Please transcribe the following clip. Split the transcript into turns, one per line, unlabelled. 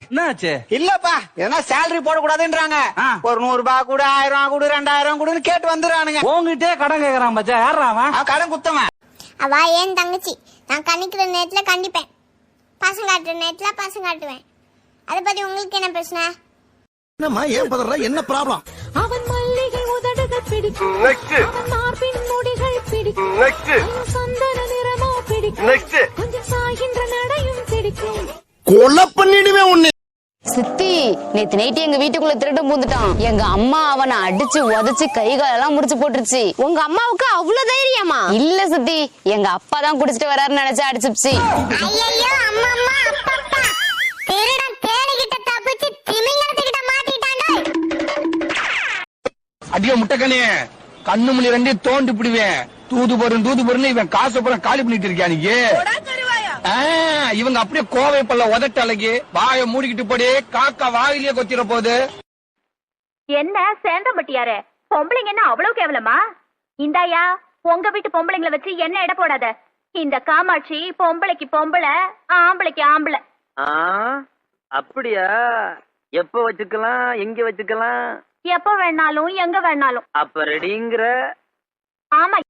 என்னாச்சு?
இல்லப்பா எதனா சேலரி போட கூடாதுன்றாங்க. ஒரு 100 ரூபாய் கூட 1000 ரூபாய் கூட 2000 கூடன்னு கேட்டு வந்துறானுங்க.
உங்ககிட்டே கடன் கேக்குறான் மச்சான். யாரா அவன்?
கடன் குத்தவன்.
அவ ஏன் தங்கச்சி. நான் கணிக்கிற நேரத்துல கண்டிப்பேன், பசங்க காட்டுற நேரத்துல பசங்க காட்டுவேன். அதை பத்தி உங்களுக்கு என்ன பிரச்சனை?
என்னம்மா ஏன் பதற? என்ன ப்ராப்ளம்?
அவன் மல்லிகை உதடுகள் பிடிக்கும், அவன் மார்பின் முடிகள் பிடிக்கும், சந்தன நிறமோ பிடிக்கும், கொஞ்சம் சாகின்ற நடையும் பிடிக்கும்.
கொலை பண்ணிடுவேன் உன்னை.
சித்தி, நேத்து நைட்டு எங்க வீட்டுக்குள்ள திருட்டு பூந்துட்டான். எங்க அம்மா அவனை அடிச்சு உதச்சு கை காலெல்லாம் முடிச்சு போட்டுருச்சு.
உங்க அம்மாவுக்கு அவ்வளவு தைரியமா?
இல்ல சித்தி, எங்க அப்பா தான் குடிச்சிட்டு வராருன்னு நினைச்சு அடிச்சுச்சு.
ஐயோ அம்மா அம்மா அப்பா, திருடன் தேடிக்கிட்ட தப்பிச்சு திமிங்கலத்துக்கிட்ட மாட்டிட்டானே.
அடியோ முட்டைக்கனே, கண்ணு மணி ரெண்டையும் தோண்டி பிடிவேன். தூது பொருன்னு இவன் காசு புறம் காலி பண்ணிட்டு இருக்கியா நீ? இவங்க அப்படியே கோவை பல்ல உதட்ட அழகி வாய மூடிக்கிட்டு போடே, காக்கா வாயிலேயே கொத்திர போகுது.
என்ன சேந்தம்பட்டியாரே, பொம்பளைங்க என்ன அவ்வளவு கேவலமா? இந்தாயா, உங்க வீட்டு பொம்பளைங்களை வச்சு என்ன எடை போடாத. இந்த காமாட்சி பொம்பளைக்கு பொம்பளை, ஆம்பளைக்கு ஆம்பளை.
அப்படியா? எப்ப வச்சுக்கலாம், எங்க வச்சுக்கலாம்?
எப்ப வேணாலும் எங்க வேணாலும்.
அப்ப ரெடிங்கிற?
ஆமா.